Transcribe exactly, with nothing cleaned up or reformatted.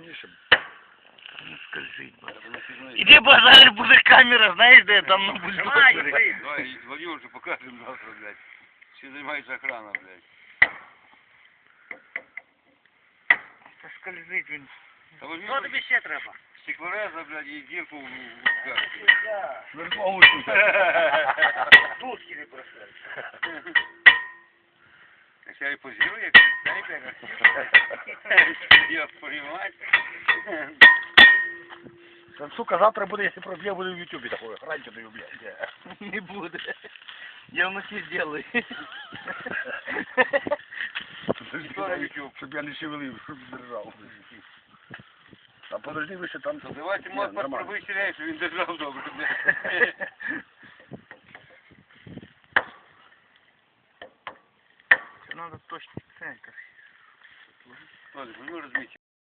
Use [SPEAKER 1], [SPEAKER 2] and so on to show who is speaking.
[SPEAKER 1] щоб
[SPEAKER 2] Не скользить, бо. Іди базар, буде камера, знаєш, де там на бульдозері.
[SPEAKER 3] Давай, Владимир уже покажем завтра, блядь. Все занимается охрана, блядь.
[SPEAKER 2] Це скользить він.
[SPEAKER 3] Що тобі
[SPEAKER 2] ще треба?
[SPEAKER 3] Стеклореза, блядь, і дірку в губках.
[SPEAKER 1] верхову тут.
[SPEAKER 2] Тутки не просили.
[SPEAKER 3] Я і позирую, як снайпер. Я понимать.
[SPEAKER 1] Та, сука, завтра буде, якщо проб'є, буде в ютубі такое. Раньше даю, блядь.
[SPEAKER 2] Не буде. Я вночі зроблю.
[SPEAKER 1] Щоб я не шевелив, щоб держав. А подожди, ви ще там...
[SPEAKER 3] Давайте, може, повиселяй, що він держав добре, блядь.
[SPEAKER 2] Це треба точно це якось.
[SPEAKER 3] Ладно, ну розміть.